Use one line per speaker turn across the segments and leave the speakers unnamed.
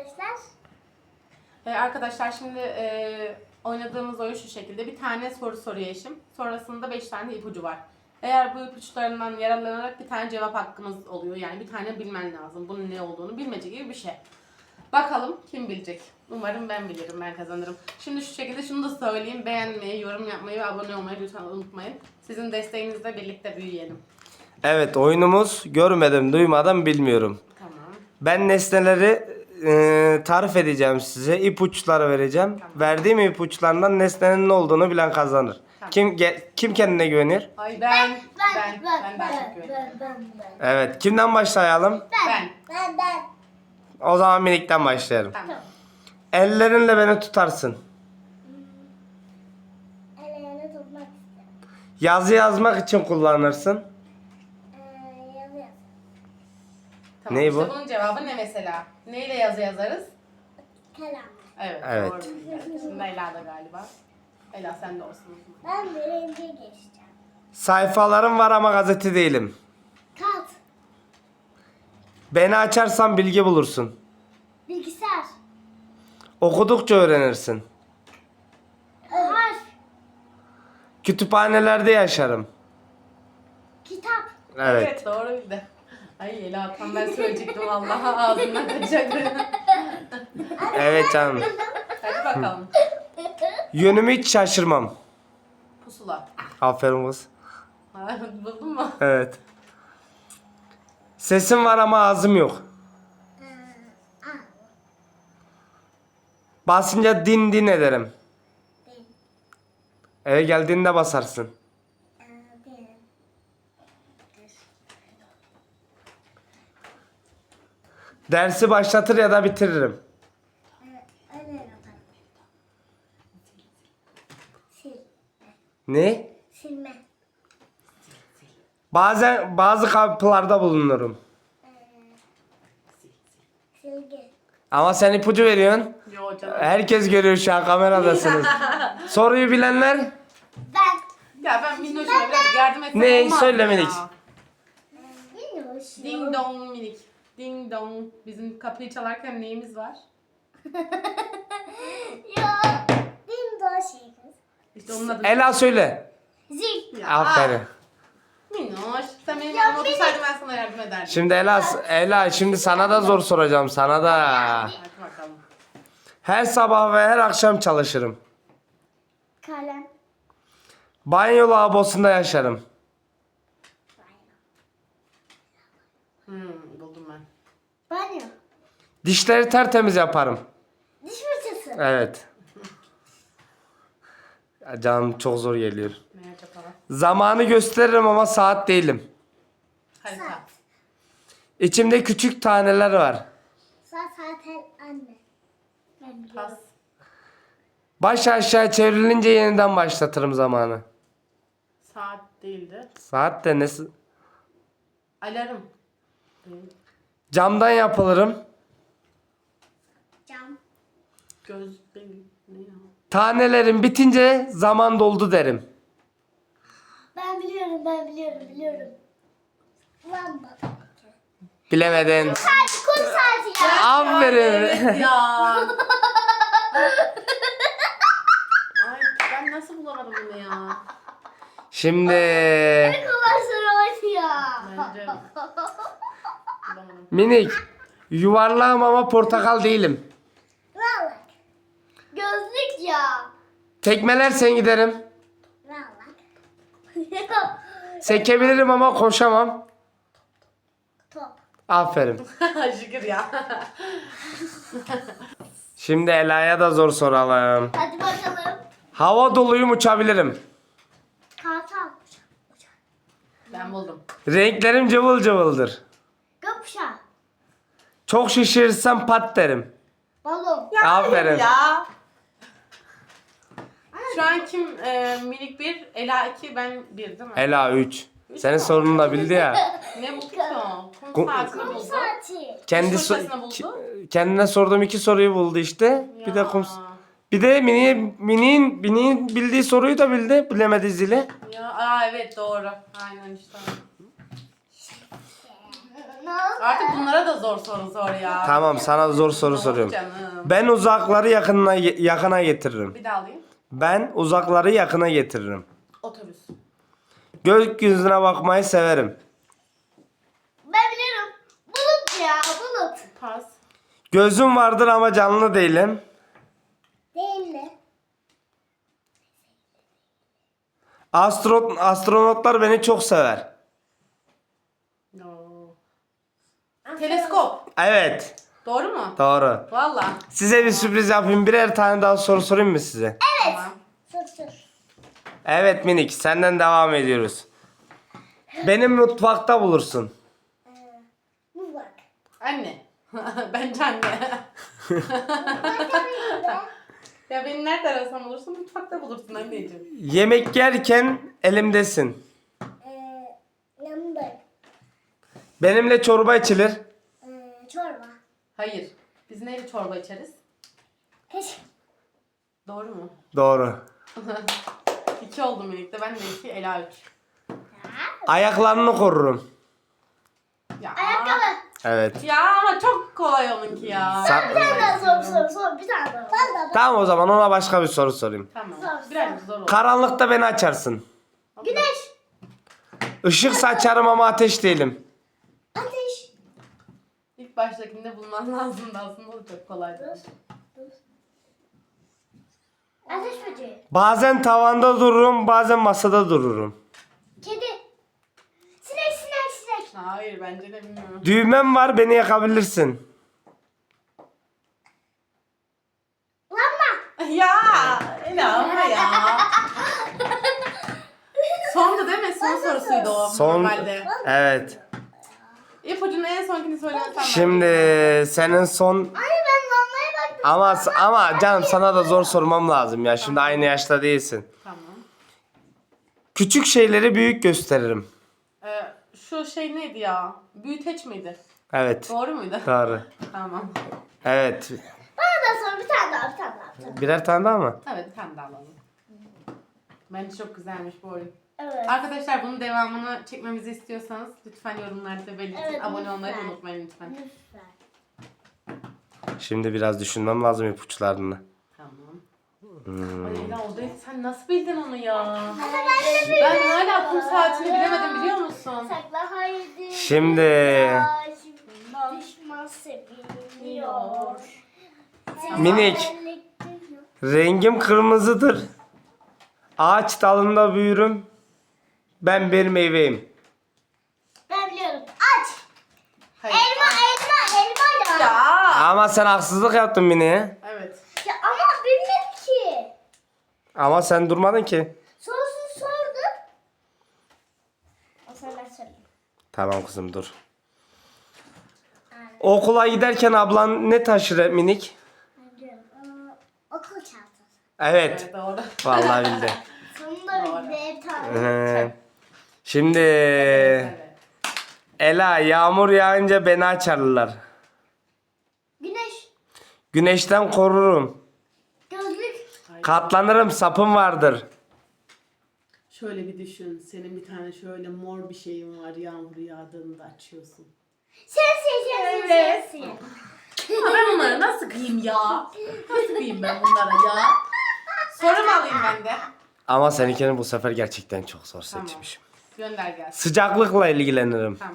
arkadaşlar.
Arkadaşlar şimdi oynadığımız oyun şu şekilde. Bir tane soru soruyor eşim. Sonrasında 5 tane ipucu var. Eğer bu ipuçlarından yararlanarak bir tane cevap hakkımız oluyor. Yani bir tane bilmen lazım. Bunun ne olduğunu bilmece gibi bir şey. Bakalım kim bilecek? Umarım ben bilirim, ben kazanırım. Şimdi şu şekilde şunu da söyleyeyim. Beğenmeyi, yorum yapmayı ve abone olmayı lütfen unutmayın. Sizin desteğinizle birlikte büyüyelim.
Evet, oyunumuz görmedim, duymadım, bilmiyorum.
Tamam.
Ben nesneleri tarif edeceğim size. İpuçları vereceğim.
Tamam.
Verdiğim ipuçlarından nesnenin ne olduğunu bilen kazanır.
Tamam.
Kim kendine güvenir?
Ay ben çok güveniyorum.
Ben.
Evet, kimden başlayalım?
Ben.
O zaman minikten başlayalım.
Tamam.
Ellerinle beni tutarsın.
Ellerini tutmak istedim.
Yazı yazmak için kullanırsın.
Yazı.
Tamam.
Ne
İşte
bu?
bunun cevabı ne mesela? Neyle yazı yazarız?
Kalem.
Evet.
Evet.
Doğru bildi. Şimdi Ela da galiba. Ela sen de olsun.
Ben birinci geçeceğim.
Sayfalarım var ama gazete değilim.
Kağıt.
Beni açarsan bilgi bulursun.
Bilgisayar.
Okudukça öğrenirsin.
Harf.
Kütüphanelerde yaşarım.
Kitap.
Evet.
Doğru bildi. Ay Ela tam ben söyleyecektim vallahi ağzından kaçacaktı.
Evet canım.
Hadi bakalım.
Yönümü hiç şaşırmam.
Pusula.
Aferin kız.
Ha, buldun mu?
Evet. Sesim var ama ağzım yok. Basınca din din ederim.
Değil.
Eve geldiğinde basarsın.
Değil.
Dersi başlatır ya da bitiririm.
Öyle yaparım. Sil.
Ne?
Silme.
Bazen bazı kapılarda bulunurum.
Silgi.
Ama sen ipucu veriyorsun.
Yo canım.
Herkes görüyor şu an, kameradasınız. Soruyu bilenler
Ben.
Ya ben Minnoş'uma birazcık yardım etsem
Ne?
olmaz
Söyle
mı ya?
Melik.
Bilmiyorum.
Ding dong minik. Ding dong. Bizim kapıyı çalarken neyimiz var?
Ya. Bilmiyorum şey kız.
İşte onun adı.
Ela söyle.
Zil.
Ya,
Aferin.
Minnoş. Sen benim yanıma otursaydın ben sana yardım ederdim.
Şimdi Ela şimdi sana da zor soracağım, sana da.
Hadi bakalım.
Her sabah ve her akşam çalışırım.
Kalem.
Banyo lavabosunda yaşarım.
Buldum ben.
Banyo.
Dişleri tertemiz yaparım.
Diş fırçası.
Evet. Ya canım çok zor geliyor.
Ne acaba?
Zamanı gösteririm ama saat değilim.
Harita.
Saat.
İçimde küçük taneler var.
Saat zaten anne. Ben biliyorum.
Pas.
Baş aşağı çevrilince yeniden başlatırım zamanı.
Saat değildi.
Saat de nesi?
Alarm. Değil.
Camdan yapılırım.
Cam.
Göz değil. Ne ya?
Tanelerim bitince zaman doldu derim.
Ben biliyorum. Lamba.
Bilemedin.
Saat, kum saati ya.
Aferin.
Evet ya. Ay ben nasıl bulamadım bunu ya?
Şimdi
Ne kadar sarı ya.
Bence bulamadım.
minik. Yuvarlağım ama portakal değilim.
Vallahi. Gözlük ya.
Tekmelersen giderim.
Vallahi.
Sekebilirim ama koşamam.
Top.
Aferin.
Şükür ya.
Şimdi Ela'ya da zor soralım.
Hadi bakalım.
Hava doluyum, uçabilirim.
Kartal.
Ben buldum.
Renklerim cıvıl cıvıldır.
Gökkuşağı.
Çok şişirirsem pat derim.
Balon.
Aferin.
Ya. Şu an kim minik 1, Ela 2, ben 1 değil mi?
Ela 3. Senin sorununu da bildi ya.
Ne buldu ki o? Kum
Kum-
saatini
Kum
buldu.
saati.
Kendi
Diş fırçasını buldu.
kendine sorduğum 2 soruyu buldu işte. Bir de bir de mini'nin bildiği soruyu da bildi. Bilemedi zili.
Ya, aa evet doğru. Aynen işte.
Ne oldu?
Artık bunlara da zor soru sor ya.
Tamam, sana zor soru
Yok
soruyorum.
canım.
Ben uzakları yakına getiririm.
Bir daha alayım.
Ben uzakları yakına getiririm.
Otobüs.
Gökyüzüne bakmayı severim.
Ben biliyorum. Bulut ya bulut.
Pas.
Gözüm vardır ama canlı değilim.
Değil mi?
Astronotlar beni çok sever.
No. Teleskop.
Evet,
Doğru mu?
doğru.
Valla.
Size bir sürpriz yapayım. Birer tane daha soru sorayım mı size?
Tamam.
Sor.
Evet Minik, senden devam ediyoruz. Beni mutfakta bulursun.
Bu bak.
Anne. Bence anne. Ya beni nerede arasam bulursun? Mutfakta bulursun anneciğim.
Yemek yerken elimdesin.
Yanındayım.
Benimle çorba içilir.
Çorba.
Hayır. Biz neyle çorba içeriz?
Kaşık.
Doğru mu?
Doğru.
2 oldu birlikte. Ben de 2, Ela 3.
Ayaklarını korurum.
Ya.
Ayakkabı.
Evet.
Ya ama çok kolay onunki ya.
Sen-
Bir tane daha sor. Bir tane daha. Ben de.
Tamam, o zaman ona başka bir soru sorayım.
Tamam.
Sor.
Birazcık zor oldu.
Karanlıkta beni açarsın.
Güneş.
Işık saçarım ama ateş değilim.
Ateş.
İlk baştakinde bulman lazımdı aslında, o çok kolaydı.
Ateş böceği.
Bazen tavanda dururum, bazen masada dururum.
Kedi. Sinek.
Hayır, bence de bilmiyorum.
Düğmem var, beni yakabilirsin.
Lamba.
Ya Ela ama ya. Sondu değil mi? Son sorusuydu o
Son.
normalde.
Evet.
İpucunun en sonkini söylemesem.
Şimdi senin son
Ay ben lambaya baktım.
ama canım, sana da zor sormam lazım ya. Şimdi aynı yaşta değilsin.
Tamam.
Küçük şeyleri büyük gösteririm.
Şu şey neydi ya? Büyüteç miydi?
Evet.
Doğru muydu?
Doğru.
Tamam.
Evet.
Bana da sor bir tane daha.
Birer tane daha mı?
Evet, bir tane daha alalım. Bence çok güzelmiş bu oyun.
Evet.
Arkadaşlar, bunun devamını çekmemizi istiyorsanız lütfen yorumlarda belirtin.
Evet,
Abone olmayı da
lütfen.
unutmayın lütfen.
Lütfen.
Şimdi biraz düşünmem lazım ipuçlarını.
Tamam. Ay Ela, o değil. Sen nasıl bildin onu ya?
Ben de
Ben hala kum saatini bilemedim, biliyor musun?
Sakla haydi.
Şimdi
Düşman seviliyor.
Minik. Rengim kırmızıdır. Ağaç dalında büyürüm. Ben bir meyveyim.
Ben biliyorum. Aç.
Hayır.
Elma ya.
Ya.
Ama sen haksızlık yaptın Mini'ye.
Evet.
Ya ama bilmedim ki.
Ama sen durmadın ki.
Sorusunu sordum. O zaman ben sorayım.
Tamam kızım, dur. Okula giderken ablan ne taşır Minik?
Ben diyorum. Okul çantası.
Evet.
Evet, doğru.
Vallahi bildi.
Sonunda
Doğru.
bir tane.
Şimdi
Evet.
Ela, yağmur yağınca beni açarlar.
Güneş.
Güneşten korurum.
Gözlük.
Katlanırım, sapım vardır.
Şöyle bir düşün. Senin bir tane şöyle mor bir şeyin var. Yağmur yağdığında açıyorsun.
Şemsiye.
Evet. Ama ben bunları nasıl kıyayım ya? Nasıl kıyayım ben bunlara ya? Soru mu alayım ben de?
Ama seninkini bu sefer gerçekten çok zor
Tamam.
seçmişim.
Gönder gelsin.
Sıcaklıkla ilgilenirim.
Tamam.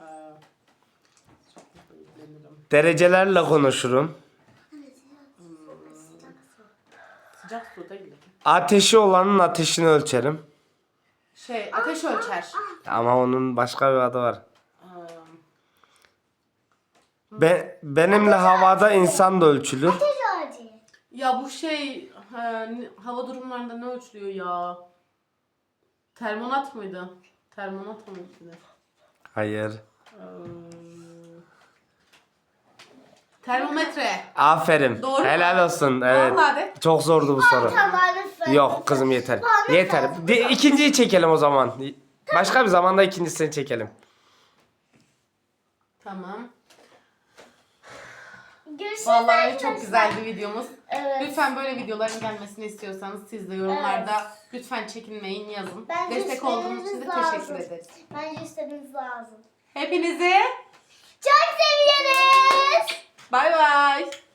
Çok ilgilenirim.
Derecelerle konuşurum.
Sıcak su değil.
Ateşi olanın ateşini ölçerim.
Ateş ölçer.
Ama onun başka bir adı var.
Ee,
Benimle havada insan da ölçülür.
Ateş ağacı.
Ya bu hava durumlarında ne ölçülüyor ya? Termonat mıydı? Termonat mı ölçülüyor?
Hayır.
Termometre.
Aferin.
Doğru mu?
Helal olsun. Evet.
Vallahi de.
Çok zordu bu soru.
Tamam lütfen.
Yok kızım, yeter.
Bana
Yeter. İkinciyi çekelim o zaman. Başka bir zamanda ikincisini çekelim.
Tamam.
Görüşürüz
Vallahi
arkadaşlar.
çok güzeldi videomuz.
Evet.
Lütfen böyle videoların gelmesini istiyorsanız siz de yorumlarda lütfen çekinmeyin, yazın.
Bence
Destek olduğunuz için de
istemeniz
teşekkür
lazım.
ederiz.
Bence istemeniz lazım.
Hepinizi
Çok seviyoruz.
Bay bay.